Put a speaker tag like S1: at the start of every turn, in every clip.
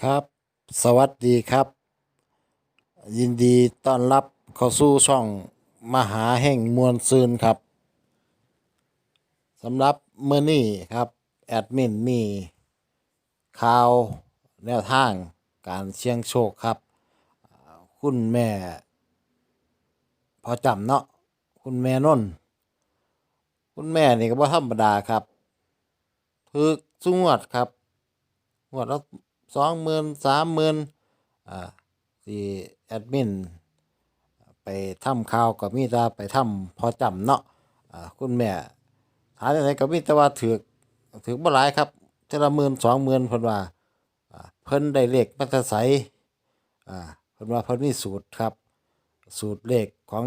S1: ครับ สวัสดีครับ ยินดีต้อนรับเข้าสู่ช่องมหาแห่งมวลซืนครับสำหรับมื้อนี้ครับแอดมินมีข่าวแนวทางการเสี่ยงโชคครับคุณแม่พอจำเนาะคุณแม่นนท์คุณแม่นี่ก็บ่ธรรมดาครับถึกซุงวดครับงวดละ20,000 30,000อ่าที่แอดมิน ไปทำข่าวก็มีแต่ไปทำพอจำเนาะคุณแม่หาจังไดก็มีแต่ว่าถือบ่หลายครับเทื่อละหมื่น20,000เพิ่นว่าเพิ่นได้เลขมาแต่ไสอ่าเพิ่นว่าเพิ่นมีสูตรครับสูตรเลขของ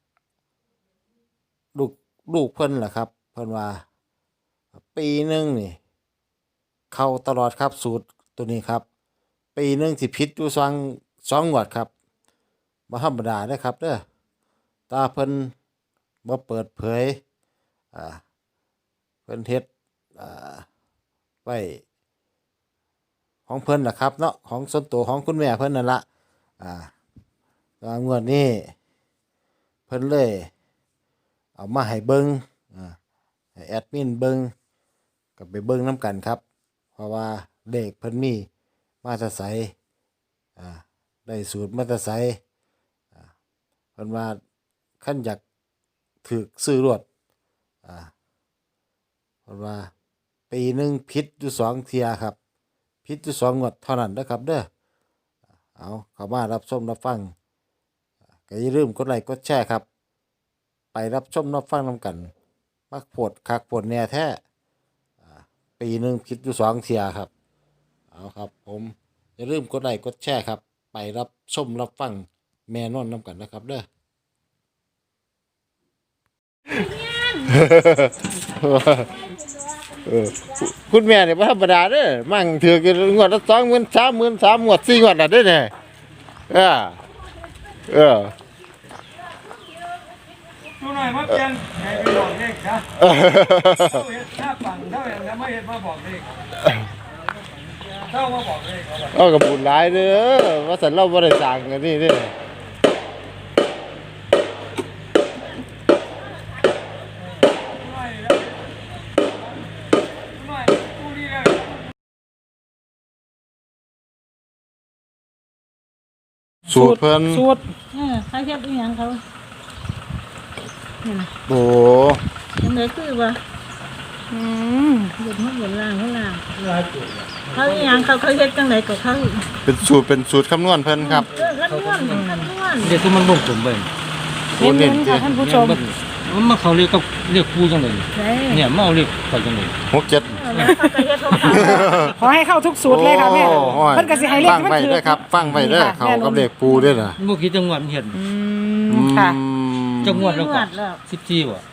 S1: ลูกลูกเพิ่นล่ะครับเพิ่นว่าปีหนึ่งนี่เข้าตลอดครับสูตรตัวนี้ครับปีหนึ่งสิผิดอยู่สองงวดครับบ่ธรรมดาเด้อครับเด้อตาเพิ่นบ่เปิดเผยอ่าเพิ่นเฮ็ดอ่าไว้ของเพิ่นล่ะครับเนาะของส่วนตัวของคุณแม่เพิ่นนั่นล่ะอ่าแต่ว่างวดนี้เพิ่นเลยเอามาให้เบิ่งอ่าให้แอดมินเบิ่งก็ไปเบิ่งนํกันครับเพราะว่าเลขเพิ่นมีมาแต่ไสอ่าได้สูตรมาแต่ไสอ่าเพิ่นว่าคันอยากถูกซื้อรวดอ่า เพราะว่าปีหนึ่งผิดอยู่สองเทียครับผิดอยู่สองงวดเท่านั้นนะครับเด้อเอาเข้ามารับชมรับฟังก็อย่าลืมกดไลค์กดแชร์ครับไปรับชมรับฟังนำกันมักโพดคักโพดแหน่แท้อ่าปีหนึ่งผิดอยู่สองเทียครับเอาครับผมอย่าลืมกดไลค์กดแชร์ครับไปรับชมรับฟังแม่นอนนำกันนะครับเด้อ เออคุณแม่เนี่ยบ่ธรรมดาเด้อมั่งถือกันงวดละ20,000 30,000 3งวด4งวดน่ะเด้อเนี่ยเออเออ
S2: ดูหน่อยว่าเพียนใครไปบอกเลขนะเท่าเห็ดหน้าฝั่งเท่าอย่างนั้นไม่เห็นมาบอกเลขเท่ามาบอกเลขเขาบอก
S1: เอากับบุญหลายเด้อว่าสันเราบ่ได้สร้างกันนี่เด้อ
S2: หน่อยแล้วหน่อยดูดีเลย
S1: สูตรเพิ่น
S3: สูตร
S4: เขาเฮ็ดอีหยังเขานี่นะ
S1: โอ้
S4: ยังไงคือว่า
S3: อืม
S4: เฮ็ดมาบนล่างข้างล่างเขาอีหยังเขาเฮ็ดจังไดก็เขา
S1: เป็นสูตรคำนวณเพิ่นครับ
S4: คำนวณ
S2: เด็กที่มันบ่งผมไป
S3: เน้นๆค่ะท่านผู้ชม
S2: มันมาเขาเรียกกับเรียกครูจังเลย
S4: ใช่
S2: เนี่ยมาเอาเรียกเขาจังเลย
S1: 67
S4: แล้วเขาก็เฮ็ดของเขา
S3: ขอให้เข้าทุกสูตรเลยค่ะแม่
S1: โอ้ย
S3: เพิ่นก็สิให้เลข
S1: ฟัง
S3: ที่มัน
S1: ไว้
S3: ถือ
S1: เด้อครับ ฟังไว้เด้อเขากับเลขปูเด้อน่ะ
S2: เมื่อกี้จังหวัดเห็น
S3: ค่ะ
S2: จังหวัดแล้วก็
S4: แล้ว
S2: 14ว่ะ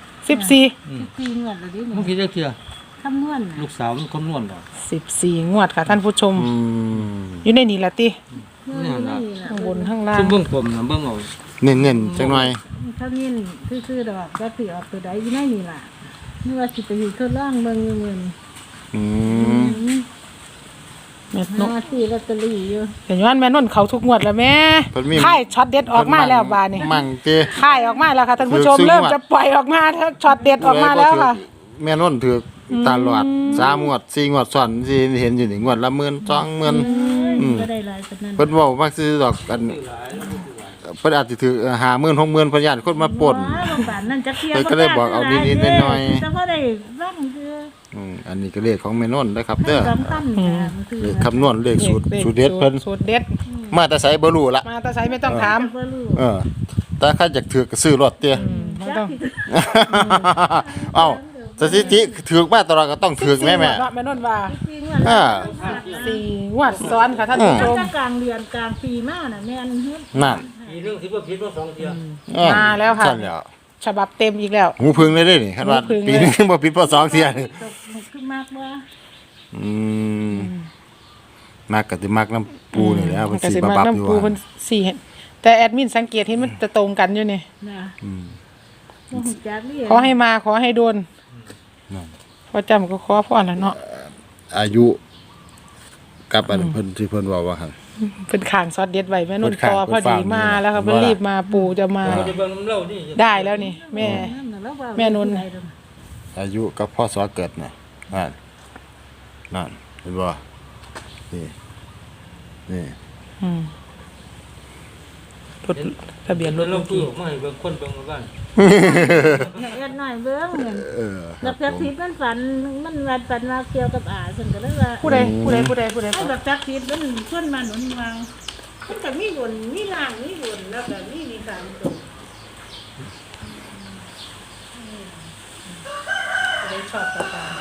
S3: 14
S4: 4งวดแล้วดิ
S2: เมื่อกี้จักเทื่อ
S4: คำนวณ
S2: ลูกสาวมันคำนวณบ่
S3: 14งวดค่ะท่านผู้ชม
S1: อืม
S3: อยู่ในนี้ล่ะติ
S2: เนี่ยนะ
S3: ข้างบนข้างล่าง
S2: ซุ่มเบิ่งผมนะเบิ่งเอา
S1: เน้นๆจังหน่อย
S4: เขานี่คือดอกก็สิออกตัวใดอยู่ในนี่ล่ะนี่ว่าสิไปอยู่ทดลองเบิ่งอยู่มื้อนี้
S1: อืม
S3: แม่นก
S4: หาซื้อลอตเตอรี่อยู่
S3: เห็นว่าแม่นนท์เขาทุกงวดแล้วแม่
S1: เพิ่นมี
S3: ค่ายช็อตเด็ดออกมาแล้วบาดนี้
S1: มั่งติ
S3: ค่ายออกมาแล้วค่ะท่านผู้ชม
S1: ถือซึ่ง
S3: เริ่ม
S1: งวด
S3: จะปล่อยออกมาถ้าช็อตเด็ดออกมาแล้วค่ะ
S1: แม่นนถือตลอด3งวด4งวดซ้อนสิเห็นอยู่นี่งวดละ10,000 20,000
S4: ก็ได้หลายปานนั้น
S1: เพิ่นเว้ามักซื้อดอกกันเพิ่นอาจสิถือ50,000 60,000เพิ่นย่านคนมาปล้น
S4: ว้าโรงพยาบาลนั่นจักเที่ย
S1: เพิ่นก็เลยบอกเอานิดๆหน่อยๆ
S4: แต่บ่ได้ฟังคือ
S1: อันนี้ก็เลขของแม่นนนะครับเด้อ
S4: สำคัญค่ะมันคือ
S1: เลขคำนวณเลขสูตรเด็ดเพิ่น
S3: สูตรเด็ด
S1: มาแต่ไสบ่รู้ละ
S3: มาแต่ไสไม่ต้องถาม
S4: บ่รู้
S1: แต่ใครอยากถือก็ซื้อรถเตี้ย
S3: ไม่ต้อง
S1: เอ้าสถิติถือมาตลอดก็ต้องถือแม่
S3: แม่นนท์ว่า
S4: จริงว่า
S1: อ่า
S3: 4งวดซ้อนค่ะท่านผู้ชม
S4: จะกลางเดือนกลางปีมาน่ะแม่นเฮ็ด
S1: นั่น
S2: มีเรื่องที่ว่าผิดว่า2เทื่อ
S3: มาแล้วค่ะ
S1: สั่นแล้ว
S3: ฉบับเต็มอีกแล้ว
S1: หูพึ่งเลยเด้นี่คันว่า
S3: หูพึ่งเลย
S1: ปีนึงบ่ผิดพอ2เที่ยนี่
S4: คือมากว่า
S1: อืมมักก็สิมักน้ำปูนี่แหล้ว
S3: มั
S1: เพิ่
S3: น
S1: น
S3: ก็
S1: สิ
S3: สิ
S1: บั
S3: มา
S1: บๆอยู่
S3: น้ำปู
S1: ว่า
S3: เพิ่นสี่เห็นแต่แอดมินสังเกตเห็นมันจะตรงกันอยู่นี่
S4: นะบ่ฮู้จักนี่
S3: ขอให้มาขอให้โดน
S1: นั่น
S3: พอจำก็ขอพ่อแล้วเนาะ
S1: อายุกับอันเพิ่นที่เพิ่นเว้าว่าหั่น
S3: เป็นขางซอสเด็ดไว้แม่นุ่น
S1: เพิ่นข้าง
S3: ต่อพอดีมาแล้วค่ะ
S1: เพิ่
S3: เพิ่
S1: น
S3: น
S1: ว่า
S3: รีบมาปู่จะมา
S2: จะเบิ่งน้ำเล่านี่
S3: ได้แล้วนี่ แม่
S4: นั่นน่ะแล้วว่า
S3: แม่นุ่น
S1: อายุกับพ่อสอเกิดน่ะนั่นเห็นบ่นี่นี่
S3: อืมรถทะเบียนรถ
S2: เรา
S3: เมื่อ
S2: ตู้
S3: กี้
S2: ออกมาให้เบิ่งคนเบิ่งมาบ้าน
S4: เนี่ยเอ็ดหน่อยเบิ่งเนี่ย
S1: เออค
S4: แล้
S1: รั
S4: ว
S1: บ
S4: จัก
S1: ผม
S4: ทิพย์มันฝันว่าเกี่ยวกับอาฉันก็เลยว่า
S3: ผู้ใด
S4: ไอ้แบบจักทิพย์มันชวนมาหนุนวางมันก็มีบุญมีล่างมีบุญแล้วก็มีสามตัวได้ชอบตา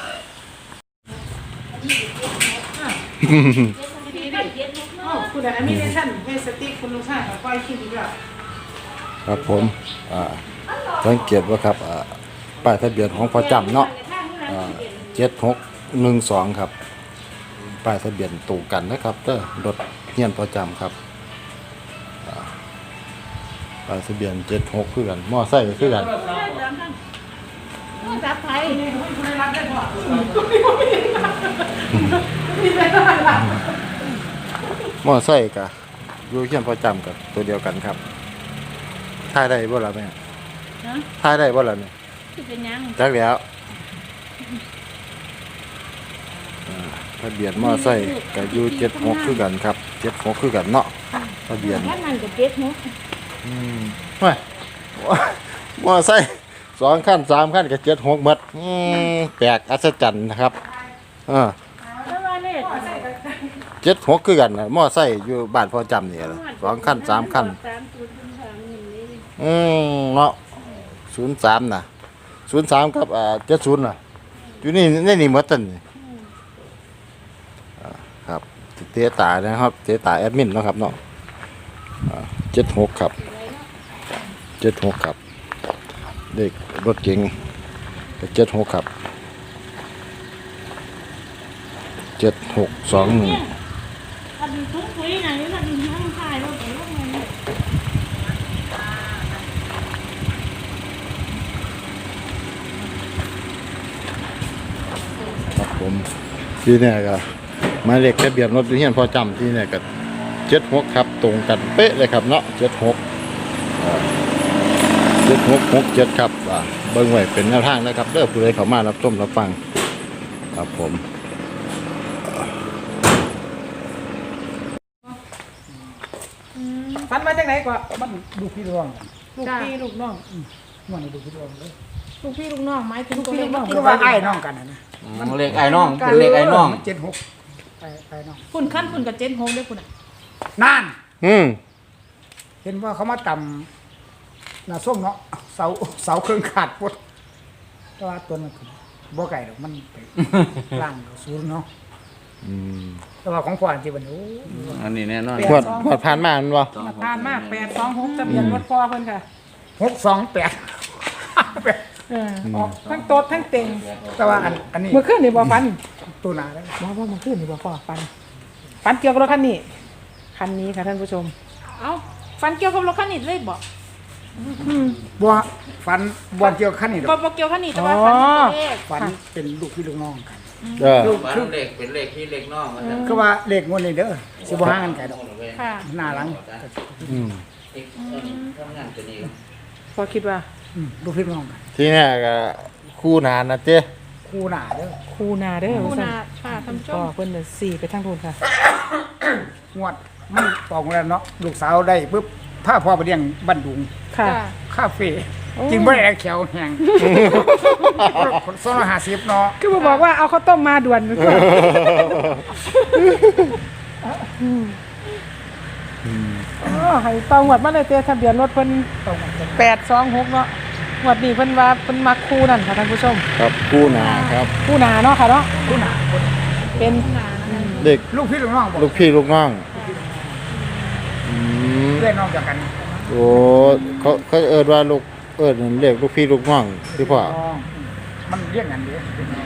S4: ผู้ใดอันนี้ได้ท่านให้สติ๊กคุณลุงชาติปล่อยคลิปอีกแล้ว
S1: ครับผมสังเกตว่าครับป้ายทะเบียนของพ่อจำเนาะ7612ครับป้ายทะเบียนตรงกันนะครับเด้อรถเฮียนพ่อจำครับป้ายทะเบียน76คือกันมอไซค์คือกัน
S4: จับไทย
S1: มอไซค์กะอยู่เฮียนพ่อจำกับตัวเดียวกันครับถ่ายได้บ่ล่ะแม่
S4: นะ
S1: ถ่ายได้บ่ล่ะเนี่ย
S4: ที่เป็นยัง
S1: จักแล้วทะเบียนมอไซค์ก็อยู่76คือกันครับ76คือกันเนาะทะเบียน
S4: ท่านนั่นก็เจ็บเนาะ
S1: ไม่มอไซค์2คัน3คันก็76หมดแปลกอัศจรรย์นะครับ
S4: แล้วว่าเนี่ย
S1: 76คือกันน่ะมอไซค์อยู่บ้านพ่อจำนี่ล่ะ2คัน3คัน เนาะ03น่ะ03กับ70น่ะอยู่นี่ในนี่หมดตันนี่ครับเตะตานะครับเตะตาแอดมินเนาะครับเนาะ76ครับ76ครับเด็กรถเก๋งก็76ครับ7621
S4: อันทุกคุยนะนี่มันทั้งถ่ายรถไปรถมาเนี่ย
S1: ครับผมที่เนี่ยก็หมายเลขทะเบียนรถที่เฮียนพอจำที่เนี่ยก็76ครับตรงกันเป๊ะเลยครับเนาะ76 7667ครับเบิ่งไว้เป็นแนวทางนะครับเด้อผู้ใดเข้ามารับชมรับฟังครับผม
S3: ฟันมาจากไหนก่อน
S5: มันดูพี่ดวง
S3: ลูกพี่ลูกน้อง
S5: มันดูพี่ดวงเลย
S4: ลูกพี่ลูกน้องหมายถึงตัว
S3: ลูกพี่
S4: เลข
S3: ลูกน้อง
S5: คือว่าไอ้น้องกันนะ
S2: เลขไอ้น้องเป็นเลขไอ้น้อง
S5: 76ไอ้น้อง
S4: คุณขั้นคุณกับเจนโฮมด้วยคุณอ่ะ
S5: นั่น
S1: อืม
S5: เห็นว่าเขามาต่ำหน้าส้มเนาะเสาเครื่องขาดปดแต่ว่าตัวนั้นบ่ไก่ดอกมันไปล่างศูนย์เนาะแต่ว่าของพ่ออันที่มันโอ้
S2: อันนี้แน่นอน
S1: หวดผ่านมามันบ่
S3: ผ่านมาก826ทะเบียนรถพ่อเพิ่นค่ะ
S5: 628
S3: ออกทั้งโต๊ดทั้งเต็ง
S5: แต่ว่าอันนี้
S3: เมื่อคืนนี่บ่ฟัน
S5: ตัวหนาแล้ว
S3: บ่เมื่อคืนนี่บ่พ่อฟันเกี่ยวกับรถคันนี้ค่ะท่านผู้ชม
S4: เอ้าฟันเกี่ยวกับรถคันนี้เลยบอก
S5: บ่ฟันบ่เกี่ยวขั้นนี่ดอก
S4: บ่เกี่ยวคันนี้แต่ว่าฟันเป็นตัวเลข
S5: ฟันเป็นลูกพี่ลูกน้องกัน
S1: เออ
S2: บ้านเลขเป็นเลขที่เลขน้องมันจะ
S5: คือว่าเลขงวดนี้เด้อสิบ่ห่างกันไกลดอก
S4: ค่ะ
S5: หน้าหลัง
S1: อืม
S2: ทำงานตัวนี้
S3: พอคิดว่า
S5: ลูกพี่ลูกน้องกัน
S1: ที่เนี่ยก็คู่นานนะเจ้
S5: คู่หน้าเด้อ
S3: คูนาเด้อ
S4: คุณ
S3: ว่าซั่น
S4: อาค่ะท่านผู้ช
S3: พ่อ
S4: ม
S3: เพิ่นน่ะ4ไปทางโน้นค่ะ
S5: งวดมันตอกแล้วเนาะลูกสาวได้ปุ๊บพาพ่อไปเลี้ยงบ้านดุง
S3: ค่ะ
S4: จ้ะ
S5: คาเฟ่กินบ่ได้แล้วแขวแห้ง250เนาะ
S3: คือบ่บอกว่าเอาข้าวต้มมาด่วนให้ตองวดมาเลยเตะทะเบียนรถเพิ่น826เนาะงวดนี้เพิ่นว่าเพิ่นมักคู่นั่นค่ะท่านผู้ชม
S1: ครับคู่นาครับ
S3: คู่นาเนาะค่ะเนาะ
S5: คู่หน้า
S3: เป็น
S1: เด็ก
S5: ลูกพี่ลูกน้องบอก
S1: ลูกพี่ลูกน้องอืม
S5: เล่นน้องจากกัน
S1: โอ้เขาเอิ้นว่าลูกเอิ้นเรียกลูกพี่ลูกน้องที่พ่อ
S5: น้องมันเรียกกันเด้อ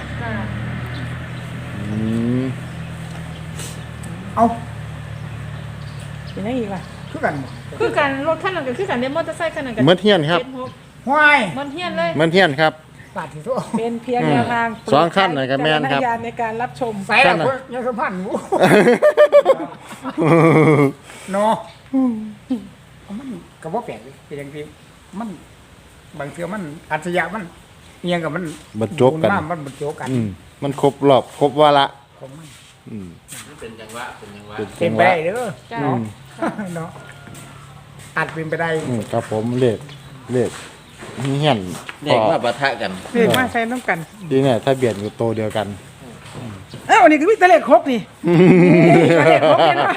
S1: อืม
S5: เอ้า
S3: เป็นไงอีกล่ะ
S5: คือกันบ่
S4: คือกันรถคันนั้นก็คือกันเดมอเตอร์ไซค์คันนั้นก็
S1: เมื่อเที่ยนครับ
S4: 76
S5: ห้วย
S4: มันเฮียนเลย
S1: เมื่อเที่ยนครับ
S5: ปาดที่โต
S3: เป็นเพียงแนวทาง
S1: สองขั้นหน่อยก็แม่นครับ
S3: วิจารณญาณในการรับชม
S5: ใส่ละเพิ่นยังสัมพันธ์อยู่เนาะมันก็บ่แปลกเลยเป็นอย่างที่มันบางเทื่อมันอัจฉริยะมันเอียงกับมัน
S1: บรรจบกัน
S5: มันบรรจบกัน
S1: มันครบรอบครบวาระ
S5: ของมัน
S6: เป็นจังหวะเป็นจังหวะ
S5: เป็นไปได้เด้อ
S3: จ้า
S5: เนาะเนาะอาจเป็นไปได้
S1: ครับผมเลขนี่เห็น
S6: เด็กว่าปะทะกัน
S3: เรียกมาใช้น้ำกัน
S1: ดีเนี่ยถ้าเบียดอยู่โตวเดียวกัน
S3: อ้าวนี่คือมีแต่เลขครบนี่เลขครบนี่นะ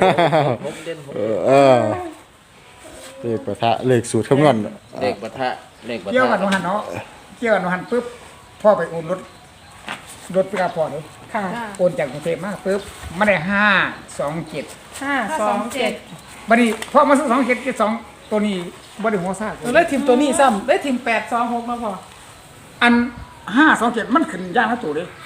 S1: เลขประทะเลขสูตรคำนวณ
S6: เด็กปะทะเด็กปะ
S5: เกี่ยว
S6: ทะ
S5: กันวันหันเนาะเกี่ยวกันวันหันปุ๊บพ่อไปโอนรถไปกับพ่อเลย
S3: ค่ะ
S5: โอนจากกรุงเทพมาปุ๊บมาได้527
S3: 527
S5: บัดนี้พ่อมาซื้อ272ตัวนี้บ่ได้หัวซาก
S3: เลยทีมตัวนี้ซ้ำเลยทีม826มาพอ
S5: อัน527มันขึ้นย่างละตัวเลย